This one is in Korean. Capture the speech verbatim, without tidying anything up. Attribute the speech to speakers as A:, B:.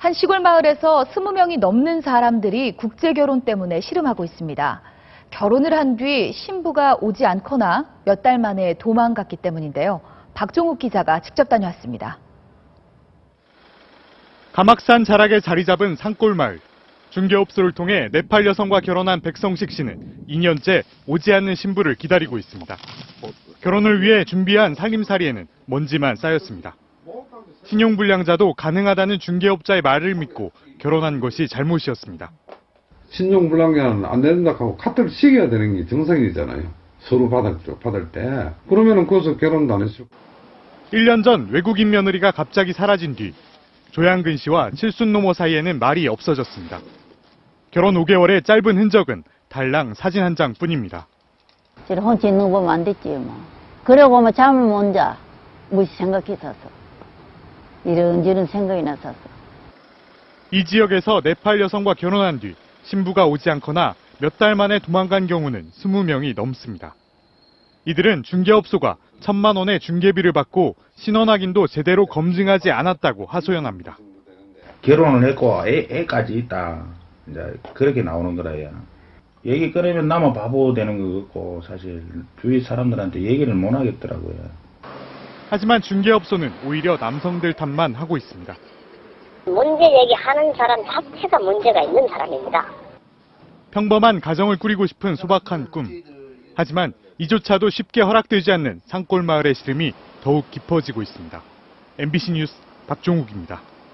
A: 한 시골 마을에서 스무 명이 넘는 사람들이 국제결혼 때문에 씨름하고 있습니다. 결혼을 한 뒤 신부가 오지 않거나 몇 달 만에 도망갔기 때문인데요. 박종욱 기자가 직접 다녀왔습니다.
B: 가막산 자락에 자리 잡은 산골마을. 중개업소를 통해 네팔 여성과 결혼한 백성식 씨는 이 년째 오지 않는 신부를 기다리고 있습니다. 결혼을 위해 준비한 살림살이에는 먼지만 쌓였습니다. 신용불량자도 가능하다는 중개업자의 말을 믿고 결혼한 것이 잘못이었습니다.
C: 신용불량자는 안 된다 하고 카트를 시켜야 되는 게 정상이잖아요. 서류 받을, 받을 때. 그러면은 거기서 결혼도 안 했을 거예요.
B: 일 년 전 외국인 며느리가 갑자기 사라진 뒤 조양근 씨와 칠순노모 사이에는 말이 없어졌습니다. 결혼 오 개월의 짧은 흔적은 달랑 사진 한 장뿐입니다.
D: 혼자 있는 거 보면 안 됐지 뭐. 그러고 뭐 잠을 못 자. 무시 생각했었어. 이런저런 생각이 났었어.
B: 이 지역에서 네팔 여성과 결혼한 뒤 신부가 오지 않거나 몇 달 만에 도망간 경우는 스무 명이 넘습니다. 이들은 중개업소가 천만 원의 중개비를 받고 신원 확인도 제대로 검증하지 않았다고 하소연합니다.
E: 결혼을 했고 애, 애까지 있다. 이제 그렇게 나오는 거라요. 얘기 꺼내면 나만 바보 되는 거 같고 사실 주위 사람들한테 얘기를 못 하겠더라고요.
B: 하지만 중개업소는 오히려 남성들 탓만 하고 있습니다.
F: 문제 얘기하는 사람 자체가 문제가 있는 사람입니다.
B: 평범한 가정을 꾸리고 싶은 소박한 꿈. 하지만 이조차도 쉽게 허락되지 않는 산골 마을의 시름이 더욱 깊어지고 있습니다. 엠비씨 뉴스 박종욱입니다.